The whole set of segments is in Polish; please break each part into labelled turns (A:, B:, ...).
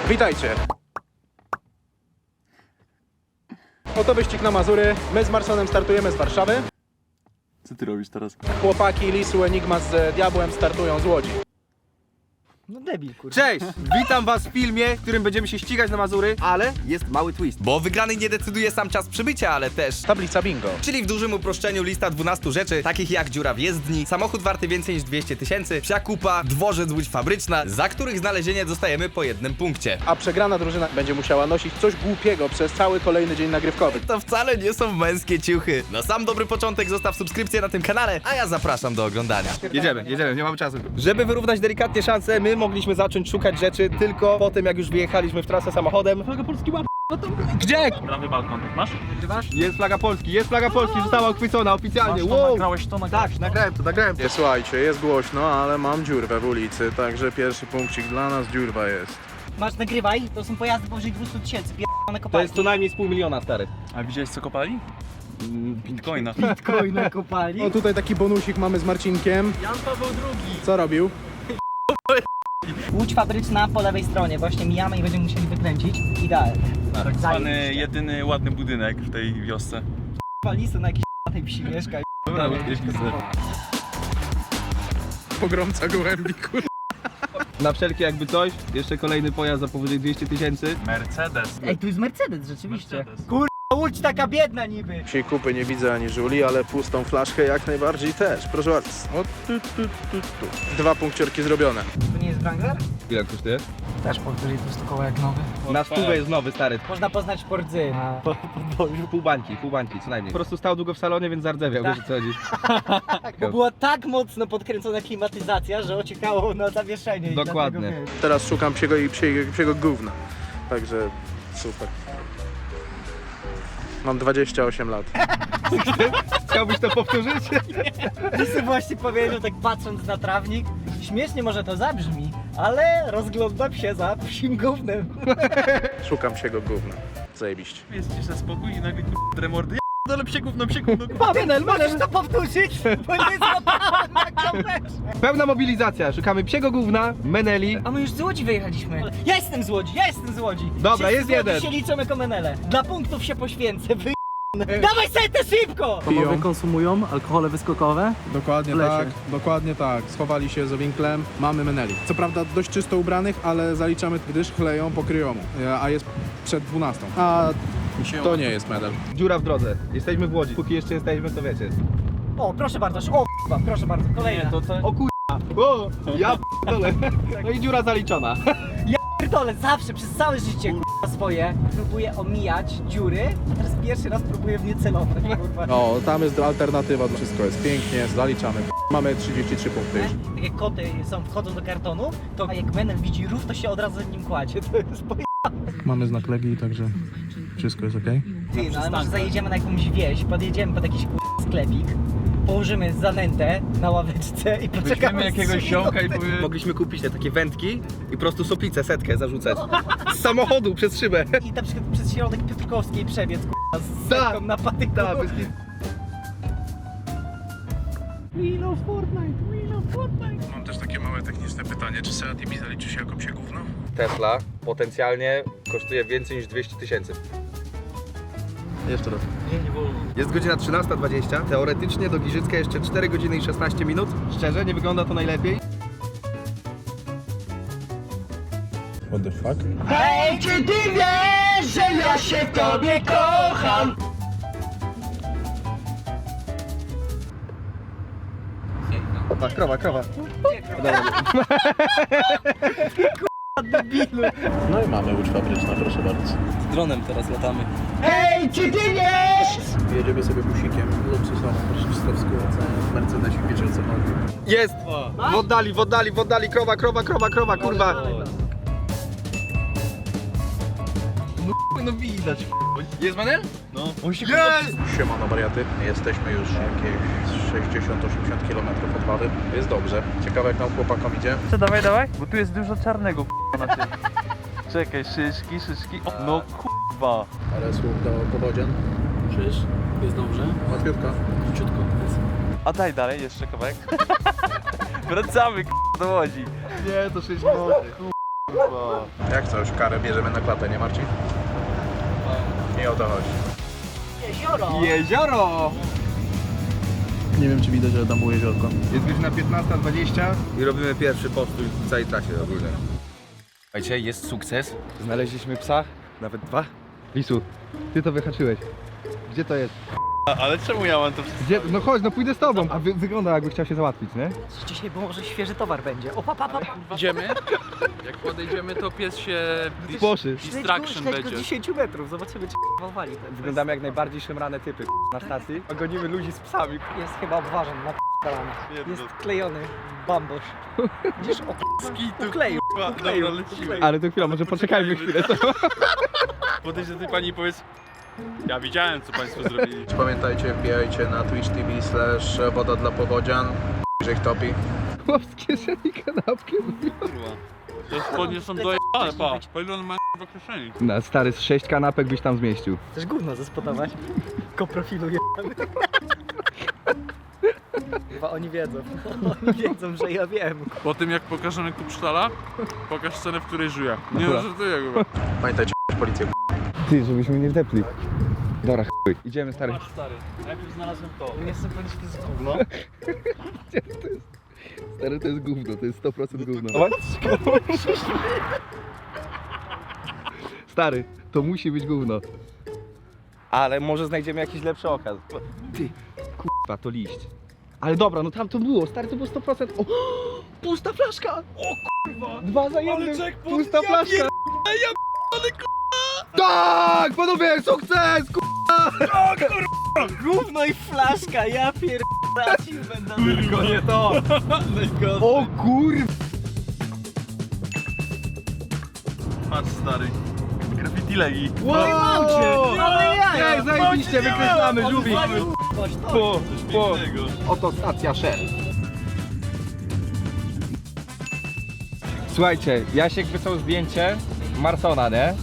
A: Witajcie! Oto wyścig na Mazury. My z Marsonem startujemy z Warszawy.
B: Co ty robisz teraz?
A: Chłopaki Lisu, Enigma z Diabłem startują z Łodzi.
C: No debil, kurwa.
D: Cześć! Witam was w filmie, w którym będziemy się ścigać na Mazury, ale jest mały twist.
E: Bo wygrany nie decyduje sam czas przybycia, ale też...
A: Tablica bingo.
E: Czyli w dużym uproszczeniu lista 12 rzeczy, takich jak dziura w jezdni, samochód warty więcej niż 200 000, psia kupa, dworzec, łódź fabryczna, za których znalezienie dostajemy po jednym punkcie.
A: A przegrana drużyna będzie musiała nosić coś głupiego przez cały kolejny dzień nagrywkowy.
E: To wcale nie są męskie ciuchy. Na sam dobry początek zostaw subskrypcję na tym kanale, a ja zapraszam do oglądania.
D: Jedziemy, nie mamy czasu. Żeby wyrównać delikatnie szanse, my mogliśmy zacząć szukać rzeczy tylko po tym, jak już wyjechaliśmy w trasę samochodem. Flaga Polski łap... Gdzie?
B: Prawy balkon, masz?
D: Jest flaga Polski, została uchwycona oficjalnie.
B: Masz to,
D: Wow.
B: nagrałeś to, nagrałeś
D: Tak, nagrałem to.
A: Nie, słuchajcie, jest głośno, ale mam dziurwę w ulicy, także pierwszy punkcik dla nas, dziurwa jest.
C: Masz, nagrywaj, to są pojazdy powyżej 200 000, pierdolone
D: To
C: kopalki.
D: jest co najmniej z 500 000, stary.
B: A widziałeś co kopali? Bitcoina.
C: Bitcoina kopali.
A: O, tutaj taki bonusik mamy z Marcinkiem.
B: Jan Paweł II.
A: Co robił?
C: Łódź fabryczna po lewej stronie, właśnie mijamy i będziemy musieli wykręcić. Idealnie.
B: Tak zwany
C: Zajebiście.
B: jedyny ładny budynek w tej wiosce.
C: Lisu na jakiejś tej psi mieszka.
B: Dobra, jeźdźmy sobie.
A: Pogromca gołębi, kur...
D: Na wszelkie jakby coś, jeszcze kolejny pojazd za powyżej 200 000.
B: Mercedes.
C: Ej, tu jest Mercedes rzeczywiście.
B: Mercedes.
C: Kurwa, Łódź taka biedna niby.
A: Psiej kupy nie widzę ani żuli, ale pustą flaszkę jak najbardziej też. Proszę bardzo. O, tu. 2 punkciorki zrobione.
C: To nie jest Wrangler?
D: Ile kosztuje?
C: Też powyżej 200 koła jak nowy.
D: Na stówę jest nowy, stary.
C: Można poznać Fordzy na...
D: Pół bańki, co najmniej. Po prostu stał długo w salonie, więc zardzewiał, wiesz o co chodzi.
C: Bo była tak mocno podkręcona klimatyzacja, że ociekało na zawieszenie. i
D: Dokładnie.
C: dlatego, wiesz.
A: Teraz szukam psiego gówna. Także super. Mam 28 lat.
D: Chciałbyś to powtórzyć?
C: Lisy właśnie powiedział, tak patrząc na trawnik, śmiesznie może to zabrzmi, ale rozglądam się za psim gównem.
A: Szukam psiego gówna. Zajebiście.
B: Jest cisza, spokój i nagle remordy. Dole psie gówno.
C: Manel, możesz to powtórzyć? Bo nie złapałem na kamerze.
D: Pełna mobilizacja, szukamy psiego gówna, Meneli.
C: A my już z Łodzi wyjechaliśmy. Ja jestem z Łodzi.
D: Dobra,
C: Wszyscy
D: jest
C: z Łodzi
D: jeden.
C: się liczą jako Menele. Dla punktów się poświęcę, Dawaj setę szybko!
F: Panowie konsumują alkohole wyskokowe?
A: Dokładnie
F: W lesie.
A: tak, dokładnie tak. Schowali się z owinklem, mamy meneli. Co prawda dość czysto ubranych, ale zaliczamy, gdyż chleją po kryjomu, a jest przed 12. A to nie jest medal.
D: Dziura w drodze. Jesteśmy w Łodzi. Póki jeszcze jesteśmy, to wiecie.
C: O, proszę bardzo, proszę bardzo, kolejna.
D: O kurwa. O, ja p***dolę. No i dziura zaliczona.
C: Pierdolę, zawsze, przez całe życie, kurwa, swoje próbuję omijać dziury, a teraz pierwszy raz próbuję w nie celować, kurwa.
A: No, tam jest alternatywa, wszystko jest pięknie, zaliczamy. Mamy 33 punkty już.
C: Tak jak koty wchodzą do kartonu, to jak Menel widzi rów, to się od razu z nim kładzie. To jest
A: Mamy znak Legii, także wszystko jest ok.
C: Ty, no ale może zajedziemy na jakąś wieś, podjedziemy pod jakiś sklepik, położymy zanętę na ławeczce i poczekamy
B: Weźmiemy jakiegoś ziomka i powiemy...
D: Mogliśmy kupić te takie wędki i po prostu soplicę, setkę zarzucać. Z samochodu przez szybę.
C: I na przykład przez środek Piotrkowskiej przebiec, kurwa, z
D: Tak.
C: setką na patyku.
D: Tak, bez kitu.
A: Mam też takie małe techniczne pytanie, czy Seat Ibiza liczy się jako psie gówno?
D: Tesla potencjalnie kosztuje więcej niż 200 000. Jeszcze raz. Jest godzina 13:20. Teoretycznie do Giżycka jeszcze 4 godziny i 16 minut. Szczerze, nie wygląda to najlepiej.
A: What the fuck?
C: Hej, czy ty wiesz, że ja się w tobie kocham?
D: A, krowa.
C: Debilu.
A: No i mamy łódź fabryczna, proszę bardzo.
F: Dronem teraz latamy.
C: Hej, czy ty wiesz?
A: Jedziemy sobie busikiem, luksusową, proszę w Mercedesie, wiecie o co chodzi.
D: Jest! W oddali, krowa, kurwa.
B: No widać.
D: Jest Manel?
B: No. On się
A: Siemano wariaty, jesteśmy już jakieś 60-80 km od Wawy. Jest dobrze. Ciekawe jak nam chłopakom idzie.
B: Co, dawaj, bo tu jest dużo czarnego na tym. Czekaj, szyszki. O, no kurwa.
A: Ale słuch do powodzian.
F: Czyż? Jest dobrze?
A: Łatwiutka.
F: Króciutko jest.
B: A daj dalej, jeszcze kawałek. Wracamy do Łodzi.
D: Nie, to 6 minut.
A: Jak coś, karę bierzemy na klatę, nie Marcin? Nie o to chodzi.
C: Jezioro!
D: Jezioro!
F: Nie wiem, czy widać, ale tam było jeziorko.
D: Jest godzina 15:20 i robimy pierwszy postój w całej trasie ogólnie. Słuchajcie, jest sukces. Znaleźliśmy psa, nawet 2. Lisu, ty to wyhaczyłeś. Gdzie to jest?
B: Ale czemu ja mam to
D: Gdzie? No chodź, no pójdę z tobą. A wygląda jakby chciał się załatwić, nie?
C: Dzisiaj, bo może świeży towar będzie. O, pa.
G: Idziemy. Jak podejdziemy, to pies się
D: Poszy.
G: distraction
C: Śledź go
G: będzie.
C: z 10 metrów, zobaczymy czy wali.
D: Wyglądamy jak najbardziej szemrane typy na stacji. Gonimy ludzi z psami.
C: Jest chyba obważan na Jest klejony bambosz. Widzisz? Ukleił.
G: Dobra, lecimy.
D: Ale to chwila, może poczekajmy chwilę.
G: Podejdź do tej pani i powiedz, ja widziałem, co państwo zrobili.
A: Pamiętajcie, wbijajcie na Twitch TV /woda dla powodzian. Że ich topi.
D: Chłop z kieszeni kanapkę.
G: Kurwa. Te spodnie są dojebane, pa. Po ile on ma w kieszeni?
D: Na stary z 6 kanapek byś tam zmieścił.
C: Chcesz gówno zespodować? Koprofilu jebany. Chyba oni wiedzą. Oni wiedzą, że ja wiem.
G: Po tym jak pokażemy kupsztala, pokaż scenę, w której żyje. Nie
D: Dobra.
G: no, żartuję kurwa.
A: Pamiętajcie, policję.
D: Ty, żebyśmy nie wdepli. Dobra, chuj. Idziemy, stary.
G: Stary, najpierw znalazłem to.
C: Nie chcę powiedzieć, że to jest gówno.
D: Stary, to jest gówno, to jest 100% gówno. Stary, to musi być gówno. Ale może znajdziemy jakiś lepszy okaz. Ty, kurwa, to liść. Ale dobra, no tam to było, stary, to było 100%. O, pusta flaszka! O kurwa! 2 za 1, pusta flaszka! Tak, panowie, sukces!
C: Gówno i flaszka, ja pierdolę, będę.
G: Tylko nie to.
D: O kurwa!
G: Patrz stary. Graffiti legi.
C: Wow, ale ja!
D: Ej, zajebiście, wykreślamy, żółwik! Po.
G: Pięknego.
D: Oto stacja Shell. Słuchajcie, Jasiek wysłał zdjęcie Marsona, nie?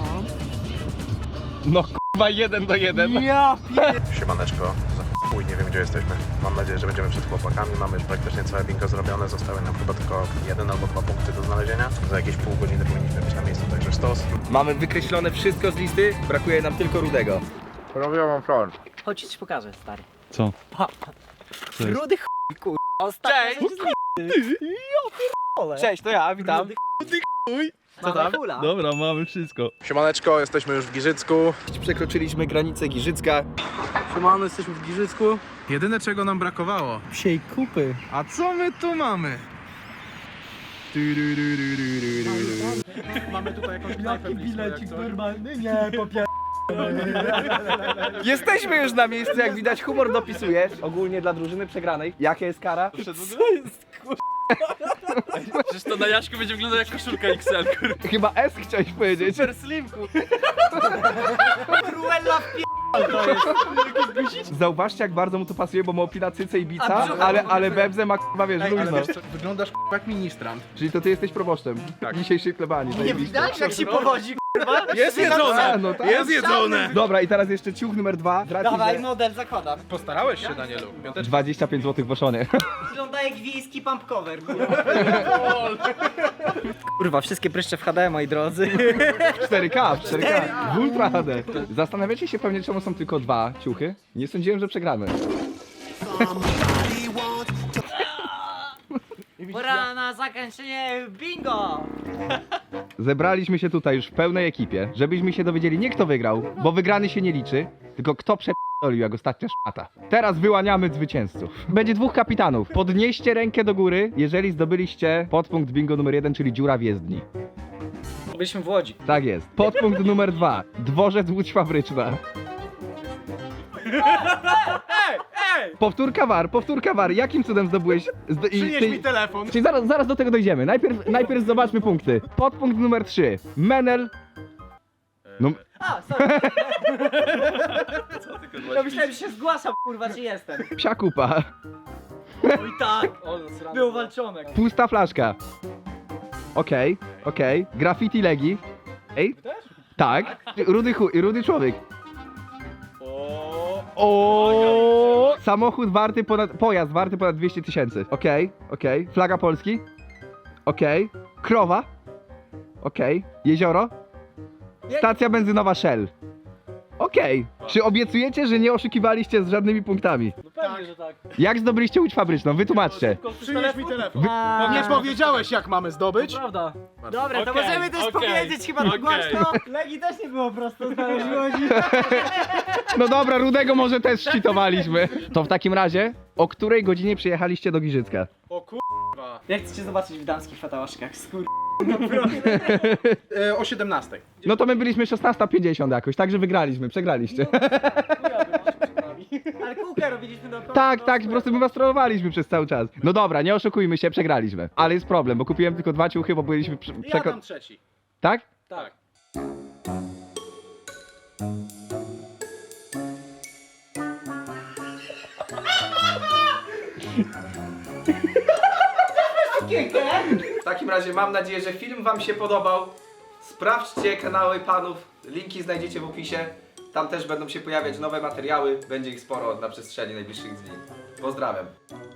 D: No kurwa 1 do 1.
C: Ja
A: Siemaneczko, za chuj, nie wiem gdzie jesteśmy. Mam nadzieję, że będziemy przed chłopakami. Mamy już praktycznie całe bingo zrobione. Zostały nam chyba tylko 1 albo 2 punkty do znalezienia. Za jakieś pół godziny powinniśmy być na miejscu, także sztos.
D: Mamy wykreślone wszystko z listy, brakuje nam tylko Rudego.
A: Robiłam plan.
C: Chodź, ci pokażę, stary.
F: Co?
C: Pa. Rudy chuj, kurwa. Ostatnio Cześć!
D: Cześć, to ja, witam.
C: Co tam? Hula.
F: Dobra, mamy wszystko.
A: Siemaneczko, jesteśmy już w Giżycku.
D: Przekroczyliśmy granicę Giżycka.
F: Siemano, jesteśmy w Giżycku.
A: Jedyne czego nam brakowało.
C: Psiej kupy.
A: A co my tu mamy?
F: Mamy tutaj jakąś knajpę
C: Bilecik normalny? Nie, popier...
D: Jesteśmy już na miejscu, jak widać humor dopisujesz. Ogólnie dla drużyny przegranej. Jaka jest kara?
G: Przecież to na Jaśku będzie wyglądał jak koszulka XL, kurwa.
D: Chyba S chciałeś powiedzieć.
G: Super slimku.
C: Cruella
D: Zauważcie, jak bardzo mu to pasuje, bo ma opina cyce i bica, ale Bebze ma k***a, wiesz,
A: Ej, ale
D: luźno.
A: wiesz co, wyglądasz jak ministrant.
D: Czyli to ty jesteś proboszczem dzisiejszej plebanii.
C: Nie
D: zajebiście.
C: widać jak się powodzi, kurwa?
G: Jest
D: A,
G: jedzone.
D: no tak.
G: Jest jedzone.
D: Dobra, i teraz jeszcze ciuch numer 2.
C: Dawaj, model zakładam.
A: Postarałeś się, Danielu.
D: 25 zł w Oszonie.
C: Wygląda jak wiejski pump cover, kurwa, wszystkie pryszcze w HD, moi drodzy.
D: 4K, 4K. W Ultra HD. Zastanawiacie się pewnie, czemu są tylko 2 ciuchy? Nie sądziłem, że przegramy.
C: Pora na zakończenie bingo!
D: Zebraliśmy się tutaj już w pełnej ekipie, żebyśmy się dowiedzieli nie kto wygrał, bo wygrany się nie liczy, tylko kto przep***olił jak ostatnia szmata. Teraz wyłaniamy zwycięzców. Będzie 2 kapitanów. Podnieście rękę do góry, jeżeli zdobyliście podpunkt bingo numer 1, czyli dziura w jezdni.
C: Byliśmy w Łodzi.
D: Tak jest. Podpunkt numer 2. Dworzec Łódź Fabryczna. Powtórka war. Jakim cudem zdobyłeś? Przynieś mi telefon. Czyli zaraz do tego dojdziemy. Najpierw zobaczmy punkty. Podpunkt numer 3. Menel. No,
C: A, sorry. Ja myślałem, że się zgłaszam, kurwa, czy jestem.
D: psia kupa.
C: I tak, był walczonek.
D: Pusta flaszka. Okej. Graffiti legi. Ej? Tak. Rudy człowiek. O. Samochód warty pojazd warty ponad 200 000. Okej. Flaga Polski. Okej. Krowa. Okej. Jezioro? Stacja benzynowa Shell. Okej. Czy obiecujecie, że nie oszukiwaliście z żadnymi punktami?
C: No pewnie, że tak.
D: Jak zdobyliście łódź fabryczną? Wytłumaczcie.
A: Przynieś mi telefon. Nie powiedziałeś jak mamy zdobyć.
C: Prawda. Dobra, to
G: Okej,
C: możemy też
G: okej,
C: powiedzieć chyba tak
G: okej.
C: głośno. Legi też nie było prosto znaleźć łodzi.
D: No dobra, Rudego może też szczytowaliśmy. To w takim razie, o której godzinie przyjechaliście do Giżycka?
A: O kur...
C: Jak chcecie zobaczyć w damskich fatałaszkach?
A: O 17.
D: No to my byliśmy 16:50 jakoś, także wygraliśmy, przegraliście.
C: Ale kółkę robiliśmy do
D: Tak, tak, po prostu my was trollowaliśmy przez cały czas. No dobra, nie oszukujmy się, przegraliśmy. Ale jest problem, bo kupiłem tylko 2 ciuchy, bo byliśmy
A: Ja dam trzeci.
D: Tak?
A: Tak.
E: W takim razie mam nadzieję, że film wam się podobał. Sprawdźcie kanały panów, linki znajdziecie w opisie. Tam też będą się pojawiać nowe materiały, będzie ich sporo na przestrzeni najbliższych dni. Pozdrawiam.